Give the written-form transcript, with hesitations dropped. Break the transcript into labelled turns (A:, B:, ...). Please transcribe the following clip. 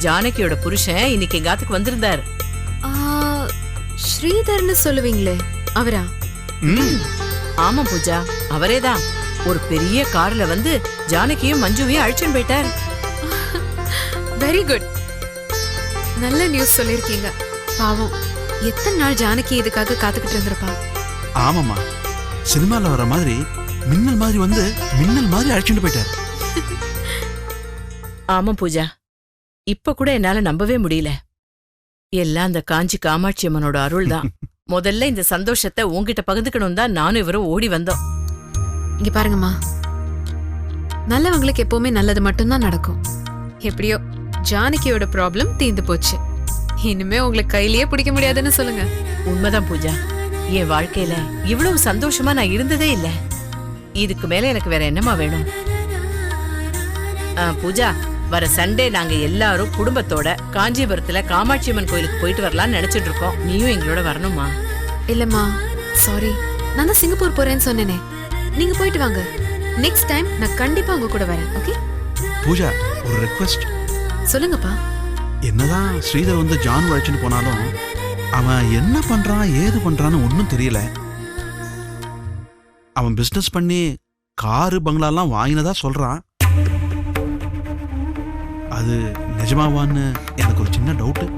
A: ஜானகியோட புருஷன் இன்னைக்கு எங்காத்துக்கு வந்திருந்தார்.
B: ஸ்ரீதர்னு சொல்லுவீங்களே அவரா?
A: ஆமா பூஜா, அவரேதான். ஒரு பெரிய கார்ல வந்து ஜானகியும் மஞ்சுவையும் அழைச்சுன்னு போயிட்டார்.
B: வெரி குட், நல்ல நியூஸ் சொல்லிருக்கீங்க. பாவம், எத்தனை நாள் ஜானகி இதுக்காக காத்துக்கிட்டு இருந்திருப்பா.
C: ஆமாமா, சினிமால வர மாதிரி மின்னல் மாதிரி வந்து மின்னல் மாதிரி அழைச்சிட்டு போயிட்டார்.
A: ஆமா பூஜா, இப்ப கூட என்னால நம்பவே முடியல. எல்லாம் அந்த காஞ்சி காமாட்சி அம்மனோட அருள் தான். முதல்ல இந்த சந்தோஷத்தை உன்கிட்ட பகிர்ந்துக்கணும் தான் நானும் இவரும் ஓடி வந்தோம்.
B: இங்க பாருங்கம்மா, நல்லவங்களுக்கு எப்பவுமே நல்லது மட்டும்தான் நடக்கும். எப்படியோ ஜானகியோட ப்ராப்ளம் தீர்ந்து போச்சு. இனிமே உங்களுக்கு கையிலேயே பிடிக்க முடியாதுன்னு சொல்லுங்க.
A: உண்மைதான் பூஜா, என் வாழ்க்கையில இவ்வளவு சந்தோஷமா நான் இருந்ததே இல்ல. இதுக்கு மேல எனக்கு வேற என்னமா வேணும்? பூஜா, வர சண்டே நாங்க எல்லாரும் குடும்பத்தோட காஞ்சிபுரத்துல காமாட்சி அம்மன் கோயிலுக்கு போயிட்டு வரலாம்னு நினைச்சிட்டு இருக்கோம். நீயும் எங்களோட வரணுமா?
B: இல்லம்மா, சாரி, நான் தான் சிங்கப்பூர் போறேன்னு சொன்னேனே. நீங்க போயிட்டு வாங்க. நெக்ஸ்ட் டைம் நான் கண்டிப்பா உங்க கூட வரேன். ஓகே?
C: பூஜா, ஒரு ரெக்வெஸ்ட்.
B: சொல்லுங்கப்பா.
C: என்னதான் ஸ்ரீதர் வந்து ஜான் அழைச்சிட்டு போனாலும் அவன் என்ன பண்றான் ஏது பண்றான்னு ஒன்னும் தெரியல. அவன் பிசினஸ் பண்ணி காரு பங்களாலாம் வாங்கினதா சொல்றான். அது நிஜமாவான்னு எனக்கு ஒரு சின்ன டவுட்.